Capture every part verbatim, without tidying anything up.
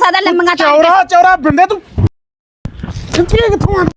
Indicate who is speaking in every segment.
Speaker 1: ਸਾਦਾ ਲੰਮੀਆਂ
Speaker 2: ਚੌਰਾ ਚੌਰਾ ਬਿੰਦੇ ਤੂੰ ਕਿੱਥੇ ਕਿੱਥੋਂ ਆ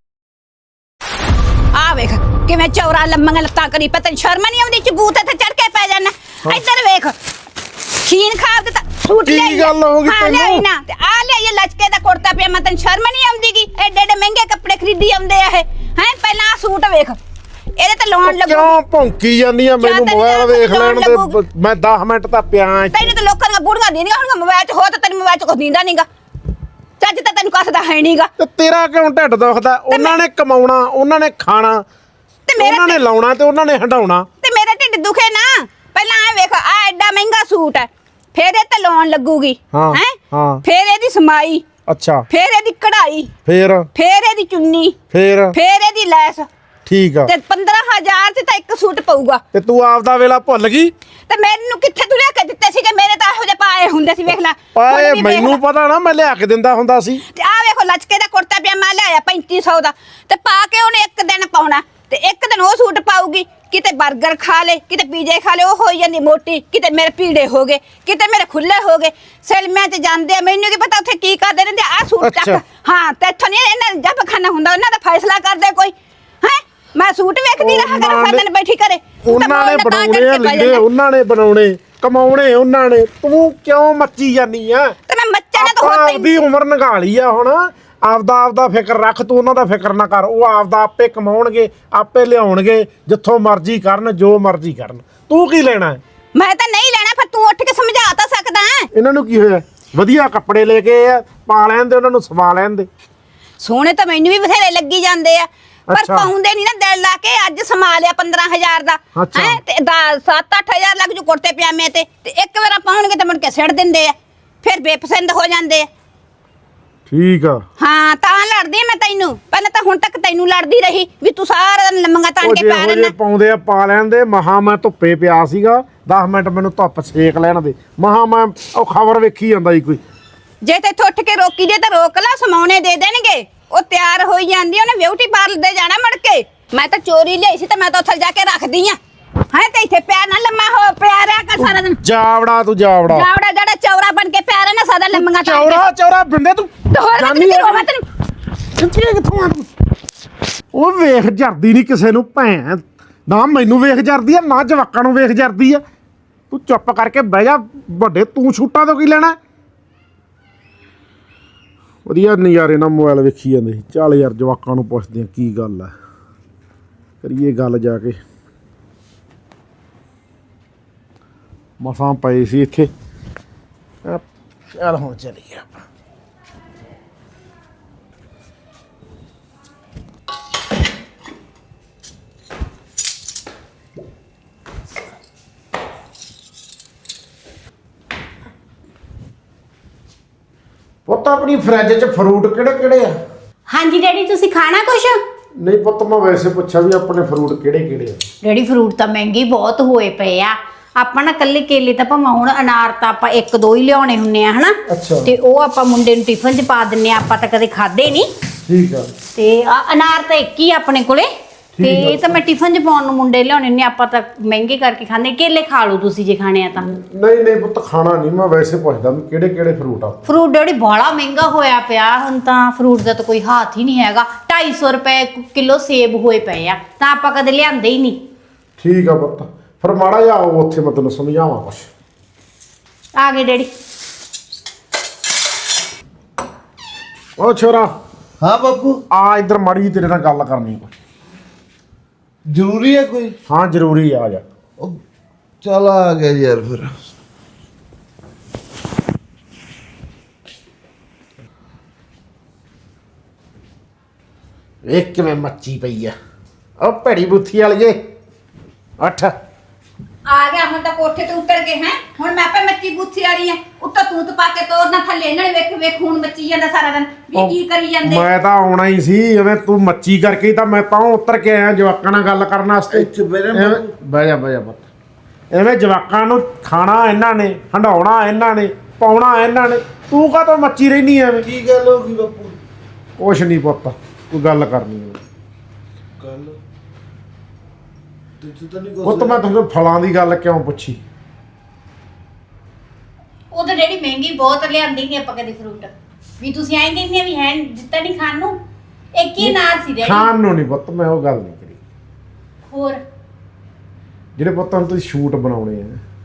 Speaker 1: ਆ ਵੇਖ ਕਿਵੇਂ ਚੌਰਾ ਲੰਮੀਆਂ ਲੱਤਾਂ ਕਰੀ ਪਤਾ ਸ਼ਰਮ ਨਹੀਂ ਆਉਂਦੀ ਚਬੂਤ ਤੇ ਚੜ ਕੇ ਪੈ ਜਾਣਾ ਇੱਧਰ ਵੇਖ ਖੀਨ ਖਾ ਦਿੱਤਾ ਸੂਟ ਲੈ
Speaker 2: ਕੀ ਗੱਲ ਹੋ ਗਈ ਤੈਨੂੰ
Speaker 1: ਨਾ ਤੇ ਆ ਲੈ ਇਹ ਲਚਕੇ ਦਾ ਕੁੜਤਾ ਪਿਆ ਮੈਂ ਤੈਨੂੰ ਸ਼ਰਮ ਨਹੀਂ ਆਉਂਦੀਗੀ ਐਡੇ ਐਡੇ ਮਹਿੰਗੇ ਕੱਪੜੇ ਖਰੀਦੀ ਆਉਂਦੇ ਆ ਇਹ ਹੈ ਪਹਿਲਾਂ ਆ ਸੂਟ ਵੇਖ ਇਹਦੇ ਤੇ ਲੋਨ ਲੱਗੂ
Speaker 2: ਕਿਉਂ ਭੌਂਕੀ ਜਾਂਦੀ ਆ ਮੈਨੂੰ ਮੋਬਾਈਲ ਵੇਖ ਲੈਣ ਦੇ ਮੈਂ ਦਸ ਮਿੰਟ ਤਾਂ ਪਿਆ
Speaker 1: ਤੈਨੂੰ ਤਾਂ ਲੋਕਾਂ ਦੀਆਂ ਬੁੜੀਆਂ ਦੇਣੀਆਂ ਹੁਣ ਮੋਬਾਈਲ 'ਚ ਹੋ ਤਾਂ ਤੈਨੂੰ ਮੋਬਾਈਲ 'ਚ ਕੁਝ ਦਿੰਦਾ ਨਹੀਂਗਾ ਚੱਜ ਤਾਂ ਤੈਨੂੰ ਕੱਸਦਾ ਹੈ ਨਹੀਂਗਾ
Speaker 2: ਤੇ ਤੇਰਾ ਕਿਉਂ ਢਿੱਡ ਦੁਖਦਾ ਉਹਨਾਂ ਨੇ ਕਮਾਉਣਾ ਉਹਨਾਂ ਨੇ ਖਾਣਾ ਤੇ ਉਹਨਾਂ ਨੇ ਲਾਉਣਾ ਤੇ ਉਹਨਾਂ ਨੇ ਹੰਡਾਉਣਾ
Speaker 1: ਤੇ ਮੇਰਾ ਢਿੱਡ ਦੁਖੇ ਨਾ ਪਹਿਲਾਂ ਆ ਵੇਖ ਆ ਐਡਾ ਮਹਿੰਗਾ ਸੂਟ ਹੈ ਫੇਰ ਇਹ ਤੇ ਲੋਨ ਲੱਗੂਗੀ
Speaker 2: ਹੈ ਹਾਂ
Speaker 1: ਫੇਰ ਇਹਦੀ ਸਮਾਈ
Speaker 2: ਅੱਛਾ
Speaker 1: ਫੇਰ ਇਹਦੀ ਕਢਾਈ
Speaker 2: ਫੇਰ
Speaker 1: ਫੇਰ ਇਹਦੀ ਚੁੰਨੀ
Speaker 2: ਫੇਰ
Speaker 1: ਫੇਰ ਇਹਦੀ ਲੈਸ
Speaker 2: ਠੀਕ ਆ
Speaker 1: ਤੇ ਪੰਦਰਾਂ ਹਜ਼ਾਰ ਚ ਤਾਂ ਇੱਕ ਸੂਟ ਪਊਗਾ
Speaker 2: ਤੇ ਤੂੰ ਆਪਦਾ ਵੇਲਾ ਭੁੱਲ ਗਈ
Speaker 1: ਤੇ ਮੈਨੂੰ ਕਿੱਥੇ ਤੂੰ ਲਿਆ ਕੇ ਦਿੱਤੇ ਸੀਗੇ ਮੇਰੇ ਤਾਂ ਇਹੋ ਜਿਹੇ ਪਾਏ ਹੁੰਦੇ ਸੀ ਵੇਖ ਲੈ
Speaker 2: ਪਾਏ ਮੈਨੂੰ ਪਤਾ ਨਾ ਮੈਂ ਲਿਆ ਕੇ ਦਿੰਦਾ ਹੁੰਦਾ ਸੀ
Speaker 1: ਤੇ ਆ ਵੇਖੋ ਲਚਕੇ ਦਾ ਕੁੜਤਾ ਪਜਾਮਾ ਲਿਆਇਆ ਪੈਂਤੀ ਸੌ ਦਾ ਤੇ ਪਾ ਕੇ ਉਹਨੇ ਇੱਕ ਦਿਨ ਪਾਉਣਾ ਤੇ ਇੱਕ ਦਿਨ ਉਹ ਸੂਟ ਪਾਊਗੀ ਕਿਤੇ 버ਗਰ ਖਾ ਲੇ ਕਿਤੇ ਪੀਜ਼ੇ ਖਾ ਲੇ ਉਹ ਹੋਈ ਜਾਂਦੀ ਮੋਟੀ ਕਿਤੇ ਮੇਰੇ ਪੀੜੇ ਹੋ ਗਏ ਕਿਤੇ ਮੇਰੇ ਖੁੱਲੇ ਹੋ ਗਏ ਸਿਲਮਿਆਂ 'ਚ ਜਾਂਦੇ ਆ ਮੈਨੂੰ ਕੀ ਪਤਾ ਉੱਥੇ ਕੀ ਕਰਦੇ ਰਹਿੰਦੇ ਆ ਸੂਟ ਚੱਕ ਹਾਂ ਤੇ ਇੱਥੋਂ ਨਹੀਂ ਇਹਨਾਂ ਦਾ ਜੱਬ ਖਾਨਾ ਹੁੰਦਾ ਉਹਨਾਂ ਦਾ ਫੈਸਲਾ ਕਰਦੇ ਕੋਈ ਹੈ ਮੈਂ ਸੂਟ ਵੇਖਦੀ ਰਹਾ ਕਰ ਫਾਦਨ ਬੈਠੀ ਕਰੇ
Speaker 2: ਉਹਨਾਂ ਨੇ ਬਣਾਉਣੇ ਆ ਲੀੜੇ ਉਹਨਾਂ ਨੇ ਬਣਾਉਣੇ ਕਮਾਉਣੇ ਉਹਨਾਂ ਨੇ ਤੂੰ ਕਿਉਂ ਮੱਚੀ ਜਾਨੀ ਆ
Speaker 1: ਤੇ ਮੈਂ ਮੱਚਾ ਨਾ ਤਾਂ
Speaker 2: ਹੋਰ ਆਪਦੀ ਉਮਰ ਨਗਾ ਲਈ ਆ ਹੁਣ ਆਪਦਾ ਆਪਦਾ ਫਿਕਰ ਰੱਖ ਤੂੰ ਉਹਨਾਂ ਦਾ ਫਿਕਰ ਨਾ ਕਰ ਉਹ ਆਪਦਾ ਆਪੇ ਕਮਾਉਣਗੇ ਆਪੇ ਲਿਆਉਣਗੇ ਜਿੱਥੋਂ ਮਰਜ਼ੀ ਕਰਨ ਜੋ ਮਰਜ਼ੀ ਕਰਨ ਤੂੰ ਕੀ ਲੈਣਾ
Speaker 1: ਮੈਂ ਤਾਂ ਨਹੀਂ ਲੈਣਾ ਫਿਰ ਤੂੰ ਉੱਠ ਕੇ ਸਮਝਾ ਤਾਂ ਸਕਦਾ
Speaker 2: ਇਹਨਾਂ ਨੂੰ ਕੀ ਹੋਇਆ ਵਧੀਆ ਕੱਪੜੇ ਲੈ ਕੇ ਆ ਪਾ ਲੈਣ ਦੇ ਉਹਨਾਂ ਨੂੰ ਸਵਾ ਲੈਣ ਦੇ
Speaker 1: ਸੋਹਣੇ ਤਾਂ ਮੈਨੂੰ ਵੀ ਬਥੇਰੇ ਲੱਗੀ ਜਾਂਦੇ ਆ ਪਰ ਪਾਉਂਦੇ ਨਹੀਂ ਨਾ ਦਿਲ ਲਾ ਕੇ ਅੱਜ ਸਮਾ ਲਿਆ ਪੰਦਰਾਂ ਹਜ਼ਾਰ ਦਾ ਹੈ ਤੇ ਸੱਤ ਅੱਠ ਹਜ਼ਾਰ ਲੱਗ ਜੂ ਕੁੜਤੇ ਪਜਾਮੇ ਤੇ ਤੇ ਇੱਕ ਵਾਰ ਪਾਉਣਗੇ ਤਾਂ ਮੁੜ ਕੇ ਸਿੱਟ ਦਿੰਦੇ ਆ ਫਿਰ ਬੇਪਸੰਦ ਹੋ ਜਾਂਦੇ ਆ
Speaker 2: ਠੀਕ ਆ
Speaker 1: ਹਾਂ ਤਾਂ ਲੜਦੀ ਮੈਂ ਤੈਨੂੰ ਪਹਿਲਾਂ ਤਾਂ ਹੁਣ ਤੱਕ ਤੈਨੂੰ ਲੜਦੀ ਰਹੀ ਵੀ ਤੂੰ ਸਾਰਾ ਦਿਨ ਲੰਮੀਆਂ ਤਾਣ ਕੇ ਪਾ ਰਹਿਣਾ
Speaker 2: ਪਾਉਂਦੇ ਆ ਪਾ ਲੈਣ ਦੇ ਮਹਾ ਮੈਂ ਧੁੱਪੇ ਪਿਆ ਸੀਗਾ ਦਸ ਮਿੰਟ ਮੈਨੂੰ ਧੁੱਪ ਸੇਕ ਲੈਣ ਦੇ ਮਹਾ ਮੈਂ ਉਹ ਖਬਰ ਵੇਖੀ ਜਾਂਦਾ ਸੀ ਕੋਈ
Speaker 1: ਜੇ ਤੇ ਉੱਠ ਕੇ ਰੋਕੀ ਜੇ ਤਾਂ ਰੋਕ ਲਾ ਸਮਾਉਣੇ ਦੇ ਦੇਣਗੇ ਉਹ ਤਿਆਰ ਹੋਈ ਜਾਂਦੀ ਉਹਨੇ ਬਿਊਟੀ ਪਾਰਲਰ ਦੇ ਜਾਣਾ ਮੜ ਕੇ ਮੈਂ ਤਾਂ ਚੋਰੀ ਲਈ ਸੀ ਤੇ ਮੈਂ ਤਾਂ ਉੱਥੇ ਜਾ ਕੇ ਰੱਖਦੀ ਆ ਹੈ ਤੇ ਇੱਥੇ ਪਿਆ ਨਾ ਲੰਮਾ ਹੋ ਪਿਆ ਰਿਆ ਕਰ ਸਾਰਾ ਦਿਨ
Speaker 2: ਜਾਵੜਾ ਤੂੰ ਜਾਵੜਾ
Speaker 1: ਜਾਵੜਾ ਜਿਹੜਾ ਚੌਰਾ ਬਣ ਕੇ ਪਿਆ ਰਹਿ ਨਾ ਸਾਦਾ ਲੰਮੀਆਂ
Speaker 2: ਚੌਰਾ ਚੌਰਾ ਬਿੰਦੇ ਤੂੰ
Speaker 1: ਜਾਨੀ ਹੋਵਾ ਤੈਨੂੰ
Speaker 2: ਕਿੱਥੇ ਕਿੱਥੋਂ ਆ ਤੂੰ ਉਹ ਵੇਖ ਜਰਦੀ ਨਹੀਂ ਕਿਸੇ ਨੂੰ ਭੈਣ ਨਾ ਮੈਨੂੰ ਵੇਖ ਜਰਦੀ ਆ ਨਾ ਜਵਾਕਾਂ ਨੂੰ ਵੇਖ ਜਰਦੀ ਆ ਤੂੰ ਚੁੱਪ ਕਰਕੇ ਬਹਿ ਜਾ ਵੱਡੇ ਤੂੰ ਛੂਟਾਂ ਤੋਂ ਕੀ ਲੈਣਾ ਵਧੀਆ ਨਜ਼ਾਰੇ ਨਾਲ ਮੋਬਾਈਲ ਵੇਖੀ ਜਾਂਦੇ ਸੀ ਚੱਲ ਯਾਰ ਜਵਾਕਾਂ ਨੂੰ ਪੁੱਛਦੇ ਆ ਕੀ ਗੱਲ ਆ ਕਰੀਏ ਗੱਲ ਜਾ ਕੇ ਮਸਾਂ ਪਏ ਸੀ ਇੱਥੇ ਚੱਲ ਹੁਣ ਚੱਲੀਏ ਆਪਾਂ ਪੁੱਤ ਆਪਣੀ ਫਰਿੱਜ 'ਚ ਫਰੂਟ ਕਿਹੜੇ ਕਿਹੜੇ ਆ
Speaker 3: ਹਾਂਜੀ ਡੈਡੀ ਤੁਸੀਂ ਖਾਣਾ ਕੁਛ
Speaker 2: ਨਹੀਂ ਪੁੱਤ ਮੈਂ ਵੈਸੇ ਪੁੱਛਿਆ ਵੀ ਆਪਣੇ ਫਰੂਟ ਕਿਹੜੇ ਕਿਹੜੇ ਆ
Speaker 3: ਡੈਡੀ ਫਰੂਟ ਤਾਂ ਮਹਿੰਗੇ ਬਹੁਤ ਹੋਏ ਪਏ ਆ ਆਪਾਂ ਨਾ ਕੱਲੇ ਕੇਲੇ ਤਾਂ ਭਾਵੇਂ ਹੁਣ ਅਨਾਰ ਤਾਂ ਆਪਾਂ ਇੱਕ ਦੋ ਹੀ ਲਿਆਉਣੇ ਹੁੰਨੇ ਆ ਹਨਾ ਤੇ ਉਹ ਆਪਾਂ ਮੁੰਡੇ ਨੂੰ ਟਿਫਨ 'ਚ ਪਾ ਦਿੰਨੇ ਆ ਆਪਾਂ ਤਾਂ ਕਦੇ ਖਾਦੇ ਨਹੀਂ
Speaker 2: ਠੀਕ ਆ
Speaker 3: ਤੇ ਆ ਅਨਾਰ ਤਾਂ ਇੱਕ ਹੀ ਆਪਣੇ ਕੋਲੇ ਤੇ ਇਹ ਤਾਂ ਮੈਂ ਟਿਫਨ 'ਚ ਪਾਉਣ ਨੂੰ ਮੁੰਡੇ ਲਿਆਉਣੇ ਨੇ ਆਪਾਂ ਤਾਂ ਮਹਿੰਗੇ ਕਰਕੇ ਖਾਂਦੇ ਕੇਲੇ ਖਾ ਲਓ ਤੁਸੀਂ ਜੇ ਖਾਣੇ ਆ ਤਾਂ
Speaker 2: ਨਹੀਂ ਨਹੀਂ ਪੁੱਤ ਖਾਣਾ ਨਹੀਂ ਮੈਂ ਵੈਸੇ ਪੁੱਛਦਾ ਵੀ ਕਿਹੜੇ ਕਿਹੜੇ ਫਰੂਟ ਆ
Speaker 3: ਫਰੂਟ ਡੈਡੀ ਬੜਾ ਮਹਿੰਗਾ ਹੋਇਆ ਪਿਆ ਹੁਣ ਤਾਂ ਫਰੂਟ ਦਾ ਤਾਂ ਕੋਈ ਹੱਥ ਹੀ ਨਹੀਂ ਹੈਗਾ ਢਾਈ ਸੌ ਰੁਪਏ ਕਿਲੋ ਸੇਬ ਹੋਏ ਪਏ ਆ ਤਾਂ ਆਪਾਂ ਕਦੇ ਲਿਆਂਦੇ ਹੀ ਨਹੀਂ
Speaker 2: ਠੀਕ ਆ ਪੁੱਤ ਫਿਰ ਮਾੜਾ ਜਿਹਾ ਆਓ ਉੱਥੇ ਮੈਂ ਤੈਨੂੰ ਸਮਝਾਵਾਂ ਕੁਛ
Speaker 3: ਆ ਗਏ ਡੈਡੀ
Speaker 2: ਉਹ ਛੋਰਾ
Speaker 4: ਹਾਂ ਬਾਪੂ
Speaker 2: ਆ ਇੱਧਰ ਮਾੜੀ ਜਿਹੀ ਤੇਰੇ ਨਾਲ ਗੱਲ ਕਰਨੀ ਕੋਈ
Speaker 4: ਜ਼ਰੂਰੀ ਹੈ ਕੋਈ
Speaker 2: ਹਾਂ ਜ਼ਰੂਰੀ ਆ ਜਾ
Speaker 4: ਉਹ ਚੱਲ ਆ ਗਿਆ ਯਾਰ ਫਿਰ
Speaker 2: ਵੇਖ ਕਿਵੇਂ ਮੱਚੀ ਪਈ ਆ ਉਹ ਭੈੜੀ ਬੁੱਥੀ ਵਾਲੀਏ ਅੱਠ
Speaker 1: ਆ ਗਿਆ ਹੁਣ ਤਾਂ ਕੋਠੇ ਤੇ ਉਤਰ ਗਏ ਹੈ ਹੁਣ ਮੈਂ ਆਪੇ ਮੱਚੀ ਬੂਥੀ ਵਾਲੀ ਆ ਉੱਤੋਂ ਤੂਤ ਪਾ ਕੇ ਤੋਰਨਾ ਥੱਲੇ ਇਹਨਾਂ ਨੇ ਵੇਖ ਵੇਖ ਹੁਣ ਮੱਚੀ ਜਾਂਦਾ ਸਾਰਾ ਦਿਨ ਵੀ ਕੀ ਕਰੀ ਜਾਂਦੇ
Speaker 2: ਮੈਂ ਤਾਂ ਆਉਣਾ ਹੀ ਸੀ ਐਵੇਂ ਤੂੰ ਮੱਚੀ ਕਰਕੇ ਤਾਂ ਮੈਂ ਤਾਂ ਉਤਰ ਕੇ ਆਇਆ ਜਵਾਕਾਂ ਨਾਲ ਗੱਲ ਕਰਨ ਵਾਸਤੇ ਬਹਿ ਜਾ ਬਹਿ ਜਾ ਪੁੱਤ ਐਵੇਂ ਜਵਾਕਾਂ ਨੂੰ ਖਾਣਾ ਇਹਨਾਂ ਨੇ ਹੰਡਾਉਣਾ ਇਹਨਾਂ ਨੇ ਪਾਉਣਾ ਇਹਨਾਂ ਨੇ ਤੂੰ ਕਾਹਤੋਂ ਮੱਚੀ ਰਹਿਨੀ ਐਵੇਂ
Speaker 4: ਕੀ ਗੱਲ ਹੋ ਗਈ ਬਾਪੂ
Speaker 2: ਕੁਛ ਨਹੀਂ ਪੁੱਤ ਕੋਈ ਗੱਲ ਕਰਨੀ ਹੈ
Speaker 4: ਗੱਲ ਤੂੰ ਤਾਂ ਨਹੀਂ
Speaker 2: ਪੁੱਤ ਮੈਂ ਤੁਹਾਨੂੰ ਫਲਾਂ ਦੀ ਗੱਲ ਕਿਉਂ ਪੁੱਛੀ
Speaker 3: ਉਹ ਤਾਂ ਜਿਹੜੀ ਮਹਿੰਗੀ ਬਹੁਤ ਲਿਆਂਦੀ ਨਹੀਂ ਆਪਾਂ ਕਦੇ ਫਰੂਟ ਵੀ ਤੁਸੀਂ ਐਂ ਕਹਿੰਦੇ ਵੀ ਹੈ ਦਿੱਤਾ ਨਹੀਂ ਖਾਣ ਨੂੰ ਇੱਕ ਹੀ ਅਨਾਰ ਸੀ ਡੈਡੀ
Speaker 2: ਖਾਣ ਨੂੰ ਨਹੀਂ ਪੁੱਤ ਮੈਂ ਉਹ ਗੱਲ ਨਹੀਂ ਕਰੀ
Speaker 3: ਹੋਰ
Speaker 2: ਜਿਹੜੇ ਪੁੱਤ ਹੁਣ ਤੁਸੀਂ ਸ਼ੂਟ ਬਣਾਉਣੇ ਆ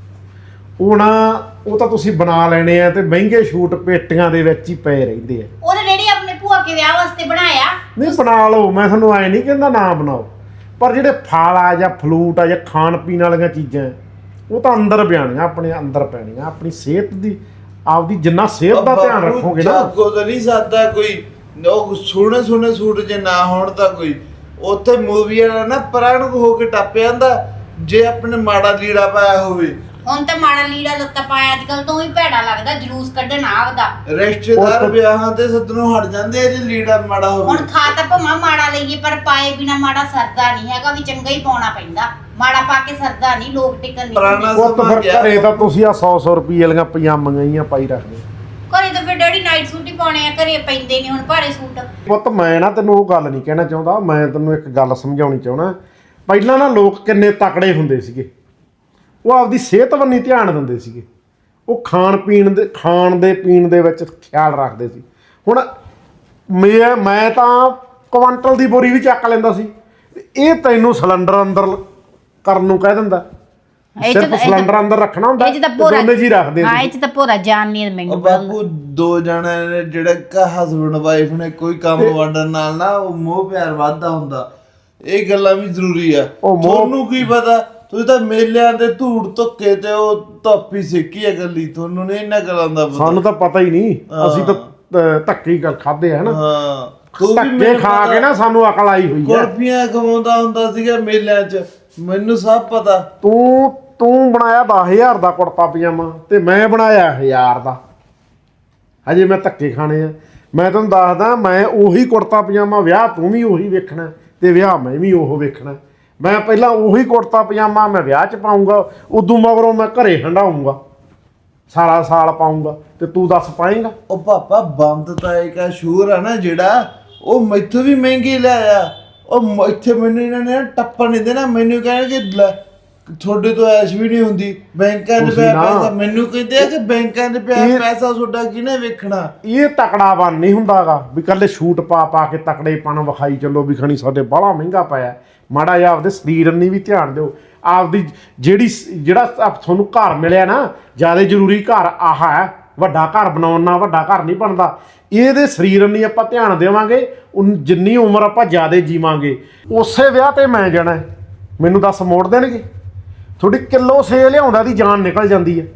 Speaker 2: ਉਹ ਨਾ ਉਹ ਤਾਂ ਤੁਸੀਂ ਬਣਾ ਲੈਣੇ ਆ ਤੇ ਮਹਿੰਗੇ ਸ਼ੂਟ ਪੇਟੀਆਂ ਦੇ ਵਿੱਚ ਹੀ ਪਏ ਰਹਿੰਦੇ ਆ
Speaker 3: ਉਹ ਤਾਂ ਡੈਡੀ ਆਪਣੇ ਭੂਆ ਕੇ ਵਿਆਹ ਵਾਸਤੇ ਬਣਾਇਆ
Speaker 2: ਨਹੀਂ ਬਣਾ ਲਓ ਮੈਂ ਤੁਹਾਨੂੰ ਐ ਨਹੀਂ ਕਹਿੰਦਾ ਨਾ ਬਣਾਓ ਪਰ ਜਿਹੜੇ ਫਲ ਆ ਜਾਂ ਫਲੂਟ ਆ ਜਾਂ ਖਾਣ ਪੀਣ ਵਾਲੀਆਂ ਚੀਜ਼ਾਂ ਉਹ ਤਾਂ ਅੰਦਰ ਪਿਆਣੀਆਂ ਆਪਣੇ ਅੰਦਰ ਪੈਣੀਆਂ ਆਪਣੀ ਸਿਹਤ ਦੀ ਆਪਦੀ ਜਿੰਨਾ ਸਿਹਤ ਦਾ ਧਿਆਨ ਰੱਖੋਗੇ ਨਾ
Speaker 4: ਕੋ ਤਾਂ ਨਹੀਂ ਸਕਦਾ ਕੋਈ ਉਹ ਸੋਹਣੇ ਸੋਹਣੇ ਸੂਟ ਜੇ ਨਾ ਹੋਣ ਤਾਂ ਕੋਈ ਉੱਥੇ ਮੂਵੀ ਵਾਲਾ ਨਾ ਪ੍ਰਾਣ ਹੋ ਕੇ ਟੱਪ ਜਾਂਦਾ ਜੇ ਆਪਣੇ ਮਾੜਾ ਲੀੜਾ ਪਾਇਆ ਹੋਵੇ
Speaker 3: ਹੁਣ ਤਾਂ ਮਾੜਾ ਲੀੜਾ ਲੱਤਾ ਪਾਇਆ ਅੱਜ ਕੱਲ ਤੋਂ ਹੀ ਭੈੜਾ ਲੱਗਦਾ ਜਲੂਸ ਕੱਢਣ ਆਵਦਾ
Speaker 4: ਰਿਸ਼ਤੇਦਾਰ ਵਿਆਹਾਂ ਤੇ ਸੱਦਣੋਂ ਹਟ ਜਾਂਦੇ ਆ ਜੇ ਲੀੜਾ ਮਾੜਾ ਹੋਵੇ
Speaker 3: ਹੁਣ ਖਾ ਤਾਂ ਭਮਾ ਮਾੜਾ ਲਈਏ ਪਰ ਪਾਏ ਬਿਨਾ ਮਾੜਾ ਸਰਦਾ ਨਹੀਂ ਹੈਗਾ ਵੀ ਚੰਗਾ ਹੀ ਪਾਉਣਾ ਪੈਂਦਾ ਮਾੜਾ ਪਾ ਕੇ ਸਰਦਾ ਨਹੀਂ ਲੋਕ ਟਿਕਣ ਨਹੀਂ
Speaker 4: ਪੁਰਾਣਾ
Speaker 2: ਉਹ ਤਾਂ ਫਿਰ ਘਰੇ ਤਾਂ ਤੁਸੀਂ ਆ ਸੌ ਸੌ ਰੁਪਏ ਵਾਲੀਆਂ ਪਜਾਮੀਆਂ ਹੀ ਆ ਪਾਈ ਰੱਖਦੇ
Speaker 3: ਘਰੇ ਤਾਂ ਫਿਰ ਡੈਡੀ ਨਾਈਟ ਸੂਟ ਹੀ ਪਾਉਣੇ ਆ ਘਰੇ ਪੈਂਦੇ ਨਹੀਂ ਹੁਣ ਭਾਰੇ ਸੂਟ
Speaker 2: ਪੁੱਤ ਮੈਂ ਨਾ ਤੈਨੂੰ ਉਹ ਗੱਲ ਨਹੀਂ ਕਹਿਣਾ ਚਾਹੁੰਦਾ ਮੈਂ ਤੈਨੂੰ ਇੱਕ ਗੱਲ ਸਮਝਾਉਣੀ ਚਾਹਣਾ ਪਹਿਲਾਂ ਨਾ ਲੋਕ ਕਿੰਨੇ ਤਕੜੇ ਹੁੰਦੇ ਸੀਗੇ ਉਹ ਆਪਦੀ ਸਿਹਤ ਵੱਲ ਨਹੀਂ ਧਿਆਨ ਦਿੰਦੇ ਸੀਗੇ ਉਹ ਖਾਣ ਪੀਣ ਦੇ ਖਾਣ ਦੇ ਪੀਣ ਦੇ ਵਿੱਚ ਖਿਆਲ ਰੱਖਦੇ ਸੀ ਹੁਣ ਮੈਂ ਮੈਂ ਤਾਂ ਕੁਆਂਟਲ ਦੀ ਬੋਰੀ ਵੀ ਚੱਕ ਲੈਂਦਾ ਸੀ ਇਹ ਤੈਨੂੰ ਸਿਲੰਡਰ ਅੰਦਰ ਕਰਨ ਨੂੰ ਕਹਿ ਦਿੰਦਾ ਸਿਰਫ ਸਿਲੰਡਰ ਅੰਦਰ ਰੱਖਣਾ ਹੁੰਦਾ
Speaker 3: ਇਹ ਚ ਤਾਂ ਪੂਰਾ
Speaker 2: ਦੋਨੇ ਜੀ ਰੱਖਦੇ
Speaker 3: ਹਾਂ ਇਹ ਚ ਤਾਂ ਪੂਰਾ ਜਾਨ ਨਹੀਂ
Speaker 4: ਉਹ
Speaker 3: ਮੈਨੂੰ
Speaker 4: ਬਾਪੂ ਦੋ ਜਣੇ ਨੇ ਜਿਹੜੇ ਕਾ ਹਸਬੰਡ ਵਾਈਫ ਨੇ ਕੋਈ ਕੰਮ ਵੰਡਣ ਨਾਲ ਨਾ ਉਹ ਮੋਹ ਪਿਆਰ ਵੱਧਦਾ ਹੁੰਦਾ ਇਹ ਗੱਲਾਂ ਵੀ ਜ਼ਰੂਰੀ ਆ
Speaker 2: ਉਹ ਮੋਹ-
Speaker 4: ਤੁਹਾਨੂੰ ਕੀ ਪਤਾ ਤੁਸੀਂ ਤਾਂ ਮੇਲਿਆਂ ਦੇ ਧੂੜ ਧੁੱਕੇ ਤੇ ਉਹ ਧੱਪੀ ਸਿੱਕੀ ਆ ਗੱਲੀ ਤੁਹਾਨੂੰ ਨਹੀਂ ਇਹਨਾਂ ਗੱਲਾਂ ਦਾ ਪਤਾ
Speaker 2: ਸਾਨੂੰ ਤਾਂ ਪਤਾ ਹੀ ਨਹੀਂ ਅਸੀਂ ਤਾਂ ਅਹ, ਧੱਕੇ ਹੀ ਗੱਲ ਖਾਦੇ ਹੈ ਨਾ
Speaker 4: ਹਾਂ ਤੂੰ ਵੀ
Speaker 2: ਧੱਕੇ
Speaker 4: ਮੈਨੂੰ
Speaker 2: ਖਾ
Speaker 4: ਪਤਾ,
Speaker 2: ਕੇ ਨਾ ਸਾਨੂੰ ਅਕਲ ਆਈ ਹੋਈ ਹੈ
Speaker 4: ਕੁਲਫੀਆਂ ਖਵਾਉਂਦਾ ਹੁੰਦਾ ਸੀਗਾ ਮੇਲਿਆਂ 'ਚ ਮੈਨੂੰ ਸਭ ਪਤਾ
Speaker 2: ਤੂੰ ਤੂੰ ਬਣਾਇਆ ਦਸ ਹਜ਼ਾਰ ਦਾ ਕੁੜਤਾ ਪਜਾਮਾ ਤੇ ਮੈਂ ਬਣਾਇਆ ਹਜ਼ਾਰ ਦਾ ਹਜੇ ਮੈਂ ਧੱਕੇ ਖਾਣੇ ਆ ਮੈਂ ਤੁਹਾਨੂੰ ਦੱਸਦਾ ਮੈਂ ਉਹੀ ਕੁੜਤਾ ਪਜਾਮਾ ਵਿਆਹ ਤੂੰ ਵੀ ਉਹੀ ਵੇਖਣਾ ਤੇ ਵਿਆਹ ਮੈਂ ਵੀ ਉਹ ਵੇਖਣਾ ਮੈਂ ਪਹਿਲਾਂ ਉਹੀ ਕੁੜਤਾ ਪਜਾਮਾ ਮੈਂ ਵਿਆਹ 'ਚ ਪਾਉਂਗਾ ਉਦੋਂ ਮਗਰੋਂ ਮੈਂ ਘਰੇ ਹੰਡਾਉਂਗਾ ਸਾਰਾ ਸਾਲ ਪਾਉਂਗਾ ਤੇ ਤੂੰ ਦੱਸ ਪਾਏਂਗਾ
Speaker 4: ਉਹ ਪਾਪਾ ਬੰਦ ਤਾਂ ਇੱਕ ਸ਼ੂਰ ਆ ਨਾ ਜਿਹੜਾ ਉਹ ਮੈਥੋਂ ਵੀ ਮਹਿੰਗੀ ਲਿਆਇਆ ਉਹ ਮ- ਇੱਥੇ ਮੈਨੂੰ ਇਹਨਾਂ ਨੇ ਨਾ ਟੱਪਣ ਨਹੀਂ ਦੇਣਾ ਮੈਨੂੰ ਕਹਿਣਗੇ ਲੈ, ਤੁਹਾਡੇ ਤੋਂ ਐਸ਼ ਵੀ ਨਹੀਂ ਹੁੰਦੀ ਬੈਂਕਾਂ 'ਚ
Speaker 2: ਤੁਸੀਂ
Speaker 4: ਪਿਆ
Speaker 2: ਨਾ-
Speaker 4: ਪੈਸਾ ਮੈਨੂੰ ਕਹਿੰਦੇ ਆ ਕਿ ਬੈਂਕਾਂ 'ਚ ਪਿਆ
Speaker 2: ਇਹ-
Speaker 4: ਪੈਸਾ ਤੁਹਾਡਾ ਕਿਹਨੇ ਵੇਖਣਾ
Speaker 2: ਇਹ ਤਕੜਾ ਬਣ ਨਹੀਂ ਹੁੰਦਾਗਾ ਵੀ ਕੱਲੇ ਸ਼ੂਟ ਪਾ ਪਾ ਕੇ ਤਕੜੇ ਪਣ ਵਿਖਾਈ ਚੱਲੋ ਵੀ ਖਣੀ ਸਾਡੇ ਬਾਹਲਾ ਮਹਿੰਗਾ ਪਿਆ ਮਾੜਾ ਜਿਹਾ ਆਪਦੇ ਸਰੀਰ ਨੂੰ ਵੀ ਧਿਆਨ ਦਿਓ ਆਪਦੀ ਜਿਹੜੀ ਸ- ਜਿਹੜਾ ਆਪ- ਤੁਹਾਨੂੰ ਘਰ ਮਿਲਿਆ ਨਾ ਜ਼ਿਆਦਾ ਜ਼ਰੂਰੀ ਘਰ ਆਹ ਹੈ ਵੱਡਾ ਘਰ ਬਣਾਉਣ ਨਾਲ ਵੱਡਾ ਘਰ ਨਹੀਂ ਬਣਦਾ ਇਹਦੇ ਸਰੀਰ ਨੂੰ ਆਪਾਂ ਧਿਆਨ ਦੇਵਾਂਗੇ ਉਨ ਜਿੰਨੀ ਉਮਰ ਆਪਾਂ ਜ਼ਿਆਦਾ ਜੀਵਾਂਗੇ ਉਸੇ ਵਿਆਹ ਤੇ ਮੈਂ ਜਾਣਾ ਹੈ। ਮੈਨੂੰ ਦੱਸ ਮੋੜ ਦੇਣਗੇ ਤੁਹਾਡੀ ਕਿਲੋ ਸੇ ਲਿਆਉਂਦਾ ਦੀ ਜਾਨ ਨਿਕਲ ਜਾਂਦੀ ਹੈ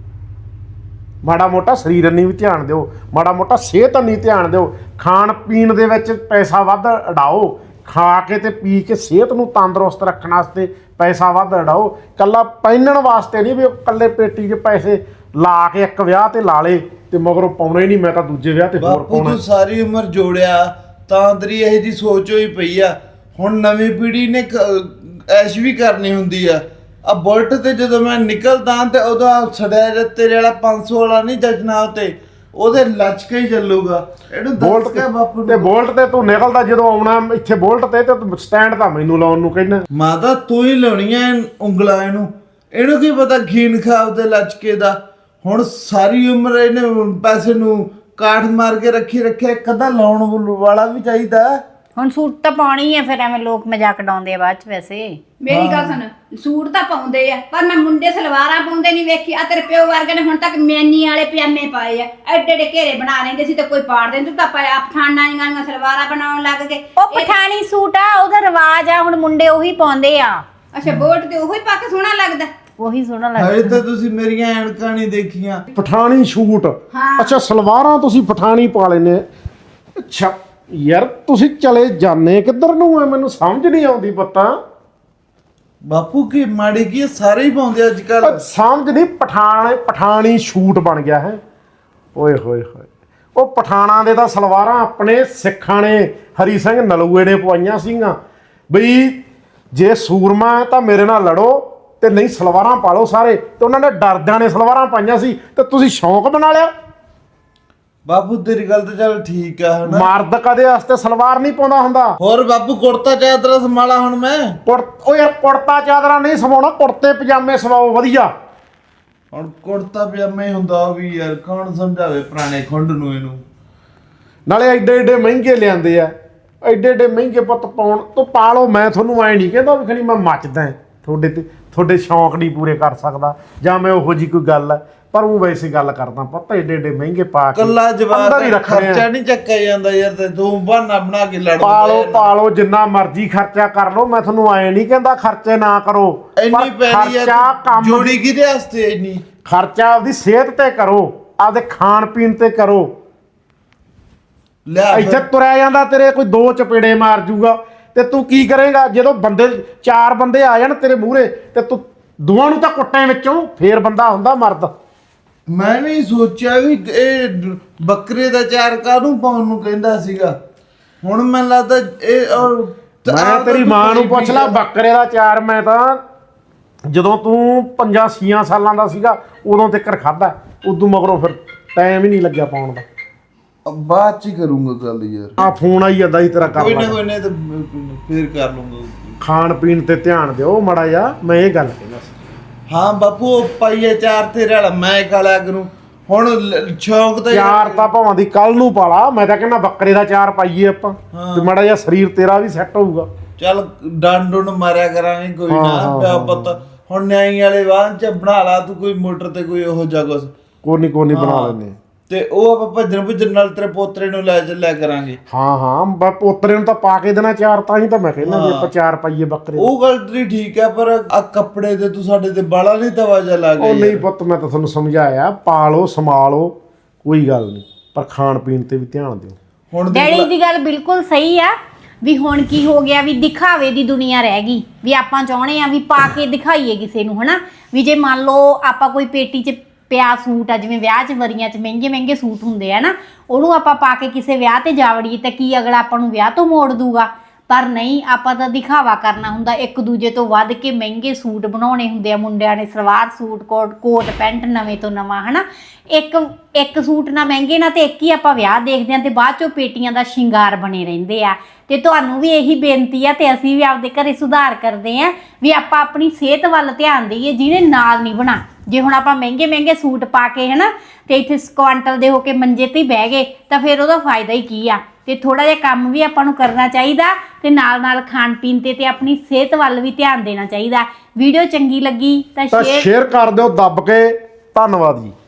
Speaker 2: ਮਾੜਾ ਮੋਟਾ ਸਰੀਰ ਨਹੀਂ ਵੀ ਧਿਆਨ ਦਿਓ ਮਾੜਾ ਮੋਟਾ ਸਿਹਤ ਨਹੀਂ ਧਿਆਨ ਦਿਓ ਖਾਣ ਪੀਣ ਦੇ ਵਿੱਚ ਪੈਸਾ ਵੱਧ ਉਡਾਓ ਖਾ ਕੇ ਤੇ ਪੀ ਕੇ ਸਿਹਤ ਨੂੰ ਤੰਦਰੁਸਤ ਰੱਖਣ ਵਾਸਤੇ ਪੈਸਾ ਵੱਧ ਉਡਾਓ ਕੱਲਾ ਪਹਿਨਣ ਵਾਸਤੇ ਨਹੀਂ ਵੀ ਉਹ ਕੱਲੇ ਪੇਟੀ 'ਚ ਪੈਸੇ ਲਾ ਕੇ ਇੱਕ ਵਿਆਹ ਤੇ ਲਾ ਲੇ ਤੇ ਮਗਰੋਂ ਪਾਉਣਾ ਹੀ ਨਹੀਂ ਮੈਂ ਤਾਂ ਦੂਜੇ ਵਿਆਹ ਤੇ ਹੋਰ
Speaker 4: ਬਾਪੂ
Speaker 2: ਪਾਉਣਾ
Speaker 4: ਤੂੰ ਸਾਰੀ ਉਮਰ ਜੋੜਿਆ ਤਾਂ ਤੇਰੀ ਇਹ ਜੀ ਸੋਚ ਹੋਈ ਪਈ ਆ ਹੁਣ ਨਵੀਂ ਪੀੜ੍ਹੀ ਨੇ ਕ- ਐਸ਼ ਵੀ ਕਰਨੀ ਹੁੰਦੀ ਆ ਆ ਬੁਲਟ ਤੇ ਜਦੋਂ ਮੈਂ ਨਿਕਲਦਾ ਤੇ ਉਹਦਾ ਸੜਿਆ ਜਿਹਾ ਤੇਰੇ ਵਾਲਾ ਪੰਜ ਸੌ ਵਾਲਾ ਨਹੀਂ ਜੱਜਣਾ ਉਤੇ ਉਹਦੇ ਲਚਕੇ ਹੀ ਚੱਲੂਗਾ ਇਹਨੂੰ ਦੱਸ
Speaker 2: ਬੋਲਟ
Speaker 4: ਕੇ ਬਾਪੂ
Speaker 2: ਤੇ
Speaker 4: ਨੂੰ
Speaker 2: ਬੋਲਟ ਤੇ ਤੂੰ ਨਿਕਲਦਾ ਜਦੋਂ ਆਉਣਾ ਇੱਥੇ ਬੋਲਟ ਤੇ ਤੇ ਸਟੈਂਡ ਤਾਂ ਮੈਨੂੰ ਲਾਉਣ ਨੂੰ ਕਹਿੰਦਾ
Speaker 4: ਮਾਤਾ ਤੂੰ ਹੀ ਲਾਉਣੀਆਂ ਉਂਗਲਾਂ ਇਹਨੂੰ ਇਹਨੂੰ ਕੀ ਪਤਾ ਖੀਨ ਖਾਬ ਤੇ ਲਚਕੇ ਦਾ ਹੁਣ ਸਾਰੀ ਉਮਰ ਇਹਨੇ ਪੈਸੇ ਨੂੰ ਕਾਠ ਮਾਰ ਕੇ ਰੱਖੀ ਰੱਖਿਆ ਕਦਾ ਲਾਉਣ ਵਾਲਾ ਵੀ ਚਾਹੀਦਾ
Speaker 3: ਹੁਣ ਸੂਟ ਤਾਂ ਪਾਉਣੀ ਆ ਫਿਰ ਐਵੇਂ ਲੋਕ ਮਜ਼ਾਕ ਉਡਾਉਂਦੇ ਆ ਬਾਅਦ ਚ ਵੈਸੇ
Speaker 1: ਮੇਰੀ ਗੱਲ ਸੁਣ ਸੂਟ ਤਾਂ ਪਾਉਂਦੇ ਆ ਪਰ ਮੈਂ ਮੁੰਡੇ ਸਲਵਾਰਾਂ ਪਾਉਂਦੇ ਨਹੀਂ ਵੇਖੀ ਆ ਤੇਰੇ ਪਿਓ ਵਰਗੇ ਨੇ ਹੁਣ ਤੱਕ ਮੈਨੀ ਵਾਲੇ ਪਜਾਮੇ ਪਾਏ ਆ ਐਡੇ ਐਡੇ ਘੇਰੇ ਬਣਾ ਲੈਂਦੇ ਸੀ ਤੇ ਕੋਈ ਪਾੜ ਦੇ ਤੂੰ ਤਾਂ ਪਾਇਆ ਪਠਾਨਾਂ ਦੀਆਂ ਸਲਵਾਰਾਂ ਬਣਾਉਣ ਲੱਗ ਗਏ
Speaker 3: ਉਹ ਪਠਾਣੀ ਸੂਟ ਆ ਉਹਦਾ ਰਿਵਾਜ ਆ ਹੁਣ ਮੁੰਡੇ ਉਹੀ ਪਾਉਂਦੇ ਆ
Speaker 1: ਅੱਛਾ ਬੋਟ ਤੇ ਉਹੀ ਪਾ ਕੇ ਸੋਹਣਾ ਲੱਗਦਾ
Speaker 3: ਉਹੀ ਸੋਹਣਾ
Speaker 4: ਹਜੇ
Speaker 3: ਲੱਗਦਾ
Speaker 4: ਤਾਂ ਤੁਸੀਂ ਮੇਰੀਆਂ ਐਨਕਾਂ ਨਹੀਂ ਦੇਖੀਆਂ
Speaker 2: ਪਠਾਣੀ ਸ਼ੂਟ
Speaker 1: ਹਾਂ।
Speaker 2: ਅੱਛਾ ਸਲਵਾਰਾਂ ਤੁਸੀਂ ਪਠਾਣੀ ਪਾ ਲੈਨੇ ਅੱਛਾ ਯਾਰ ਤੁਸੀਂ ਚਲੇ ਜਾਂਦੇ ਕਿੱਧਰ ਨੂੰ ਆ ਮੈਨੂੰ ਸਮਝ ਨਹੀਂ ਆਉਂਦੀ ਪਤਾ
Speaker 4: ਬਾਪੂ ਕੀ ਮਾੜੀ ਕੀ ਆ, ਸਾਰੇ ਹੀ ਪਾਉਂਦੇ ਅੱਜ ਕੱਲ
Speaker 2: ਪਰ ਸਮਝ ਨਹੀਂ ਪਠਾਣ ਪਠਾਣੀ ਸ਼ੂਟ ਬਣ ਗਿਆ ਹੈ ਓਏ ਹੋਏ ਹੋਏ ਉਹ ਪਠਾਣਾ ਦੇ ਤਾਂ ਸਲਵਾਰਾਂ ਆਪਣੇ ਸਿੱਖਾਂ ਨੇ ਹਰੀ ਸਿੰਘ ਨਲੂਏ ਨੇ ਪਵਾਈਆਂ ਸੀਗੀਆਂ ਬਈ ਜੇ ਸੂਰਮਾ ਹੈ ਤਾਂ ਮੇਰੇ ਨਾਲ ਲੜੋ ਤੇ ਨਹੀਂ ਸਲਵਾਰਾਂ ਪਾ ਲਓ ਸਾਰੇ ਤੇ ਉਹਨਾਂ ਨੇ ਡਰਦਿਆਂ ਨੇ ਸਲਵਾਰਾਂ ਪਾਈਆਂ ਸੀ ਤੇ ਤੁਸੀਂ ਸ਼ੌਂਕ ਬਣਾ ਲਿਆ
Speaker 4: ਬਾਪੂ ਤੇਰੀ ਗੱਲ ਤਾਂ ਚੱਲ ਠੀਕ ਆ ਹਨਾ
Speaker 2: ਮਰਦ ਕਦੇ ਵਾਸਤੇ ਸਲਵਾਰ ਨਹੀਂ ਪਾਉਂਦਾ ਹੁੰਦਾ
Speaker 4: ਹੋਰ ਬਾਪੂ ਕੁੜਤਾ ਚਾਦਰਾ ਸੰਭਾਲਾ ਹੁਣ ਮੈਂ
Speaker 2: ਕੁੜ ਉਹ ਯਾਰ ਕੁੜਤਾ ਚਾਦਰਾ ਨਹੀਂ ਸਵਾਉਣਾ ਕੁੜਤੇ ਪਜਾਮੇ ਸਵਾਓ ਵਧੀਆ
Speaker 4: ਹੁਣ ਕੁੜਤਾ ਪਜਾਮਾ ਹੀ ਹੁੰਦਾ ਉਹ ਵੀ ਯਾਰ, ਕੌਣ ਸਮਝਾਵੇ ਪੁਰਾਣੇ ਖੁੰਡ ਨੂੰ ਇਹਨੂੰ।
Speaker 2: ਨਾਲੇ ਐਡੇ ਐਡੇ ਮਹਿੰਗੇ ਲਿਆਂਦੇ ਆ, ਐਡੇ ਐਡੇ ਮਹਿੰਗੇ ਪੁੱਤ ਪਾਉਣ ਤੋਂ ਪਾ ਲਓ। ਮੈਂ ਤੁਹਾਨੂੰ ਐ ਨਹੀਂ ਕਹਿੰਦਾ ਵੀ ਖਣੀ ਮੈਂ ਮੱਚਦਾ ਤੁਹਾਡੇ ਤੇ, ਤੁਹਾਡੇ ਸ਼ੌਂਕ ਨਹੀਂ ਪੂਰੇ ਕਰ ਸਕਦਾ ਜਾਂ ਮੈਂ ਉਹੋ ਜੀ ਕੋਈ ਗੱਲ ਹੈ, ਪਰ ਉਹ ਵੈਸੇ ਗੱਲ ਕਰਦਾ ਪੁੱਤ ਐਡੇ ਐਡੇ ਮਹਿੰਗੇ ਪਾ ਕੇ
Speaker 4: ਕੱਲਾ ਜਵਾਬ
Speaker 2: ਅੰਦਰ ਹੀ ਰੱਖਣੇ ਆ।
Speaker 4: ਖਰਚਾ ਨਹੀਂ ਚੱਕਿਆ ਜਾਂਦਾ ਯਾਰ, ਤੇ ਤੂੰ ਬਹਾਨਾ ਬਣਾ ਕੇ ਲੜ
Speaker 2: ਪਾ ਲਓ ਪਾ ਲਓ ਜਿੰਨਾ ਮਰਜ਼ੀ ਖਰਚਾ ਕਰ ਲਓ, ਮੈਂ ਤੁਹਾਨੂੰ ਐ ਨਹੀਂ ਕਹਿੰਦਾ ਖਰਚੇ ਨਾ ਕਰੋ,
Speaker 4: ਇੰਨੀ ਪੈਣੀ
Speaker 2: ਖਰਚਾ
Speaker 4: ਯਾਰ
Speaker 2: ਕੰਮ
Speaker 4: ਜੋੜੀ ਕਿਹਦੇ ਵਾਸਤੇ ਇੰਨੀ?
Speaker 2: ਖਰਚਾ ਆਪਦੀ ਸਿਹਤ ਤੇ ਕਰੋ, ਆਪਦੇ ਖਾਣ ਪੀਣ ਤੇ ਕਰੋ।
Speaker 4: ਲਿਆ
Speaker 2: ਇੱਥੇ ਤੁਰਿਆ ਜਾਂਦਾ ਤੇਰੇ ਕੋਈ ਦੋ ਚਪੇੜੇ ਮਾਰ ਜੂਗਾ ਤੇ ਤੂੰ ਕੀ ਕਰੇਗਾ? ਜਦੋਂ ਬੰਦੇ ਚਾਰ ਬੰਦੇ ਆ ਜਾਣ ਤੇਰੇ ਮੂਹਰੇ ਤੇ ਤੂੰ ਦੋਵਾਂ ਨੂੰ ਤਾਂ ਕੁੱਟਾਂ ਵਿੱਚੋਂ, ਫੇਰ ਬੰਦਾ ਹੁੰਦਾ ਮਰਦ।
Speaker 4: ਮੈਂ ਵੀ ਸੋਚਿਆ ਵੀ ਇਹ ਬੱਕਰੇ ਦਾ ਚਾਰ ਕਾਹਨੂੰ ਪਾਉਣ ਨੂੰ ਕਹਿੰਦਾ ਸੀਗਾ, ਹੁਣ ਮੈਨੂੰ ਲੱਗਦਾ ਇਹ ਔਰ
Speaker 2: ਮੈਂ ਤੇਰੀ ਮਾਂ ਨੂੰ ਪੁੱਛ ਲਾ ਬੱਕਰੇ ਦਾ ਚਾਰ, ਮੈਂ ਤਾਂ ਜਦੋਂ ਤੂੰ ਪੰਜਾਂ ਛੀਆਂ ਸਾਲਾਂ ਦਾ ਸੀਗਾ ਉਦੋਂ ਤੱਕ ਖਾਧਾ, ਉਦੋਂ ਮਗਰੋਂ ਫਿਰ ਟਾਈਮ ਹੀ ਨਹੀਂ ਲੱਗਿਆ ਪਾਉਣ ਦਾ।
Speaker 4: ਬਾਅਦ ਚ ਹੀ ਕਰੂੰਗਾ ਗੱਲ ਯਾਰ,
Speaker 2: ਆ ਫੋਨ ਆਈ ਜਾਂਦਾ ਸੀ ਤੇਰਾ ਕਰ
Speaker 4: ਕੋਈ ਨਾ
Speaker 2: ਲਾ।
Speaker 4: ਕੋਈ ਨਾ ਤੇ ਫੇਰ ਕਰ ਲੂੰਗਾ।
Speaker 2: ਖਾਣ ਪੀਣ ਤੇ ਧਿਆਨ ਦਿਓ ਮਾੜਾ ਜਿਹਾ, ਮੈਂ ਇਹ ਗੱਲ ਕਹਿੰਦਾ ਸੀ।
Speaker 4: ਹਾਂ ਬਾਪੂ ਉਹ ਪਾਈਏ ਚਾਰ ਤੇਰੇ ਵਾਲਾ ਮੈਂ ਕਾਲਾ ਕਰੂੰ ਹੁਣ ਲ- ਸ਼ੌਂਕ ਤਾਂ
Speaker 2: ਚਾਰ ਤਾਂ ਭਾਵਾਂ ਦੀ ਕੱਲ ਨੂੰ ਪਾਲਾ, ਮੈਂ ਤਾਂ ਕਹਿੰਦਾ ਬੱਕਰੇ ਦਾ ਚਾਰ ਪਾਈਏ ਆਪਾਂ, ਤੇ ਮਾੜਾ ਜਿਹਾ ਸਰੀਰ ਤੇਰਾ ਵੀ ਸੈੱਟ ਹੋਊਗਾ।
Speaker 4: ਚੱਲ ਡੰਡ ਡੁੰਡ ਮਾਰਿਆ ਕਰਾਂਗੇ ਕੋਈ
Speaker 2: ਹਾਂ,
Speaker 4: ਨਾ
Speaker 2: ਹਾਂ,
Speaker 4: ਪਿਆ
Speaker 2: ਹਾਂ।
Speaker 4: ਪਤਾ। ਹੁਣ ਨਿਆਈ ਵਾਲੇ ਵਾਹਨ ਚ ਬਣਾ ਲਾ ਤੂੰ ਕੋਈ ਮੋਟਰ ਤੇ ਕੋਈ ਉਹੋ ਜਿਹਾ ਕੁਛ,
Speaker 2: ਕੋਨੀ ਕੋਨੀ ਬਣਾ
Speaker 4: ਹਾਂ।
Speaker 2: ਲੈਂਦੇ।
Speaker 4: ਤੇ ਉਹ ਆਪਾਂ ਭੱਜਣ ਭੁੱਜਣ ਨਾਲ ਤੇਰੇ ਪੋਤਰੇ ਨੂੰ ਲੈ ਚੱਲਿਆ ਕਰਾਂਗੇ।
Speaker 2: ਹਾਂ ਹਾਂ ਬ- ਪੋਤਰੇ ਨੂੰ ਤਾਂ ਪਾ ਕੇ ਦੇਣਾ ਚਾਰ, ਤਾਂ ਹੀ ਤਾਂ ਮੈਂ ਕਹਿੰਦਾ ਵੀ ਆਪਾਂ ਚਾਰ ਪਾਈਏ ਬੱਕਰੇ।
Speaker 4: ਉਹ ਗੱਲ ਤੇਰੀ ਠੀਕ ਹੈ, ਪਰ ਆ ਕੱਪੜੇ ਤੇ ਤੂੰ ਸਾਡੇ ਤੇ ਬਾਲਾ ਨਹੀਂ ਤਵਾਜਾ ਲਾ ਗਿਆ
Speaker 2: ਉਹ ਨਹੀਂ
Speaker 4: ਯਾਰ।
Speaker 2: ਪੁੱਤ ਮੈਂ ਤਾਂ ਤੁਹਾਨੂੰ ਸਮਝਾਇਆ, ਪਾਲੋ ਸੰਭਾਲੋ ਕੋਈ ਗੱਲ ਨਹੀਂ, ਪਰ ਖਾਣ ਪੀਣ ਤੇ ਵੀ ਧਿਆਨ ਦਿਓ।
Speaker 4: ਹੁਣ ਦੇਖ
Speaker 3: ਡੈਡੀ
Speaker 4: ਲੈ-
Speaker 3: ਦੀ ਗੱਲ ਬਿਲਕੁਲ ਸਹੀ ਆ ਵੀ ਹੁਣ ਕੀ ਹੋ ਗਿਆ ਵੀ ਦਿਖਾਵੇ ਦੀ ਦੁਨੀਆ ਰਹਿ ਗਈ, ਵੀ ਆਪਾਂ ਚਾਹੁੰਦੇ ਆ ਵੀ ਪਾ ਕੇ ਦਿਖਾਈਏ ਕਿਸੇ ਨੂੰ, ਹਨਾ ਵੀ ਜੇ ਮੰਨ ਲਓ ਆਪਾਂ ਕੋਈ ਪੇਟੀ 'ਚ ਪਿਆ ਸੂਟ ਆ, ਜਿਵੇਂ ਵਿਆਹ 'ਚ ਵਰੀਆਂ 'ਚ ਮਹਿੰਗੇ ਮਹਿੰਗੇ ਸੂਟ ਹੁੰਦੇ ਆ ਨਾ, ਉਹਨੂੰ ਆਪਾਂ ਪਾ ਕੇ ਕਿਸੇ ਵਿਆਹ ਤੇ ਜਾ ਵੜੀਏ ਤਾਂ ਕੀ ਅਗਲਾ ਆਪਾਂ ਨੂੰ ਵਿਆਹ ਤੋਂ ਮੋੜ ਦੂਗਾ? ਪਰ ਨਹੀਂ, ਆਪਾਂ ਤਾਂ ਦਿਖਾਵਾ ਕਰਨਾ ਹੁੰਦਾ, ਇੱਕ ਦੂਜੇ ਤੋਂ ਵੱਧ ਕੇ ਮਹਿੰਗੇ ਸੂਟ ਬਣਾਉਣੇ ਹੁੰਦੇ ਆ। ਮੁੰਡਿਆਂ ਨੇ salwar suit, coat coat pant ਨਵੇਂ ਤੋਂ ਨਵਾਂ, ਹਨਾ ਇੱਕ ਇੱਕ ਸੂਟ ਨਾ ਮਹਿੰਗੇ ਨਾ ਤੇ ਇੱਕ ਹੀ ਆਪਾਂ ਵਿਆਹ ਦੇਖਦੇ ਆ ਤੇ ਬਾਅਦ ਚੋਂ ਪੇਟੀਆਂ ਦਾ ਸ਼ਿੰਗਾਰ ਬਣੇ ਰਹਿੰਦੇ ਆ। ਤੇ ਤੁਹਾਨੂੰ ਵੀ ਇਹੀ ਬੇਨਤੀ ਆ ਤੇ ਅਸੀਂ ਵੀ ਆਪਦੇ ਘਰੇ ਸੁਧਾਰ ਕਰਦੇ ਆ ਵੀ ਆਪਾਂ ਆਪਣੀ ਸਿਹਤ ਵੱਲ ਧਿਆਨ ਦੇਈਏ, ਜਿਹਨੇ ਨਾਲ ਨਹੀਂ ਬਣਾ। ਜੇ ਹੁਣ ਆਪਾਂ ਮਹਿੰਗੇ ਮਹਿੰਗੇ ਸੂਟ ਪਾ ਕੇ ਹਨਾ ਤੇ ਇੱਥੇ ਕੁਆਂਟਲ ਦੇ ਹੋ ਕੇ ਮੰਜੇ ਤੇ ਹੀ ਬਹਿ ਗਏ ਤਾਂ ਫਿਰ ਉਹਦਾ ਫਾਇਦਾ ਹੀ ਕੀ ਆ? ਤੇ ਥੋੜਾ ਜਿਹਾ ਕੰਮ ਵੀ ਆਪਾਂ ਨੂੰ ਕਰਨਾ ਚਾਹੀਦਾ ਤੇ ਨਾਲ ਨਾਲ ਖਾਣ ਪੀਣ ਤੇ ਤੇ ਆਪਣੀ ਸਿਹਤ ਵੱਲ ਵੀ ਧਿਆਨ ਦੇਣਾ ਚਾਹੀਦਾ। ਵੀਡੀਓ ਚੰਗੀ ਲੱਗੀ ਤਾਂ
Speaker 2: ਤਾਂ
Speaker 3: ਸ਼ੇਅਰ
Speaker 2: ਸ਼ੇਅਰ ਕਰ ਦਿਓ ਦੱਬ ਕੇ। ਧੰਨਵਾਦ ਜੀ।